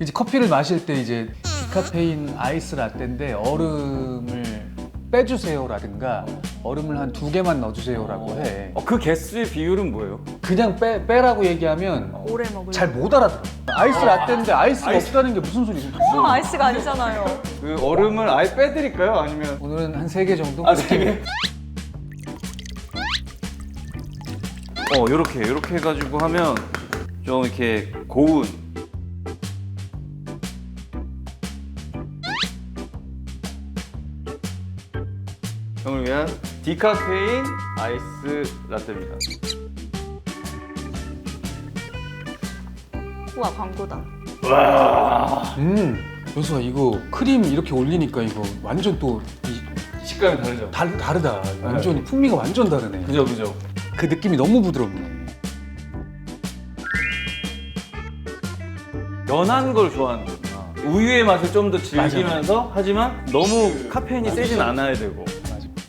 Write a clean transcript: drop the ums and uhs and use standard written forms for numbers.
이제 커피를 마실 때 이제 디카페인 아이스 라떼인데 얼음을 빼주세요라든가 얼음을 한 2개만 넣어주세요라고 해. 그 개수의 비율은 뭐예요? 그냥 빼라고 얘기하면 오래 먹을. 잘 못 알아들어. 아이스 라떼인데 아이스가 없다는 게 무슨 소리지? 아이스가 아니잖아요. 그 얼음을 아예 빼드릴까요? 아니면 오늘은 한 3개 정도? 세 개? 요렇게 해가지고 하면 좀 이렇게 고운 형을 위한 디카페인 아이스 라떼입니다. 우와, 광고다. 여수아 이거 크림 이렇게 올리니까 이거 완전 또 식감이 다르죠? 다르다. 완전 풍미가 완전 다르네. 그죠. 그 느낌이 너무 부드럽네. 연한 걸 좋아하는 거구나. 우유의 맛을 좀 더 즐기면서 하지만 너무 카페인이 세진 않아야 되고.